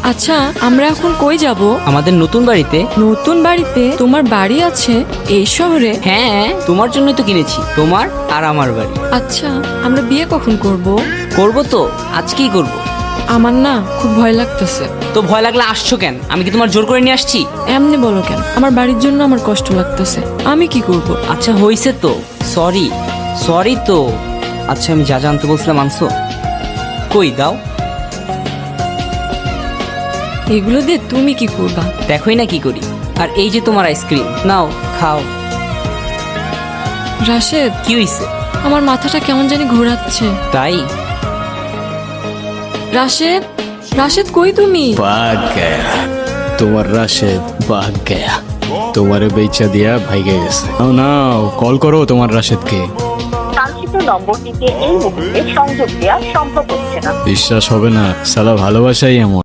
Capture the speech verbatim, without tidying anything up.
আচ্ছা আমরা এখন কই যাব? আমাদের নতুন বাড়িতে। নতুন বাড়িতে? তোমার বাড়ি আছে এই শহরে? হ্যাঁ, তোমার জন্যই তো কিনেছি, তোমার আর আমার বাড়ি। আচ্ছা আমরা বিয়ে কখন করব? করবো তো, আজকেই করব। আমার না খুব ভয় লাগতেছে। তো ভয় লাগলে আসছো কেন? আমি কি তোমার জোর করে নিয়ে আসছি? এমনি বলো কেন? আমার বাড়ির জন্য আমার কষ্ট লাগতেছে, আমি কি করব? আচ্ছা হইছে তো, সরি সরি তো। আচ্ছা আমি যা জানতে বলছিলাম আনছো? কই দাও। এগুলো দিয়ে তুমি কি করবা? দেখোই না কি করি। আর এই যে তোমার আইসক্রিম, নাও খাও। রাশেদ, কি হইছে? আমার মাথাটা কেমন জানি ঘোরাচ্ছে। তাই? রাশেদ, রাশেদ কই তুমি? ভাগ গয়া তোমার রাশেদ, ভাগ গয়া। তোমারে বেচা দিয়া ভাইগে গেছে। নাও নাও কল করো তোমার রাশেদকে। কাঙ্ক্ষিত নম্বরটিতে এই মুহূর্তে সংযোগ দেওয়া সম্ভব হচ্ছে না। বিশ্বাস হবে না, সালা ভালোবাসাই এমন।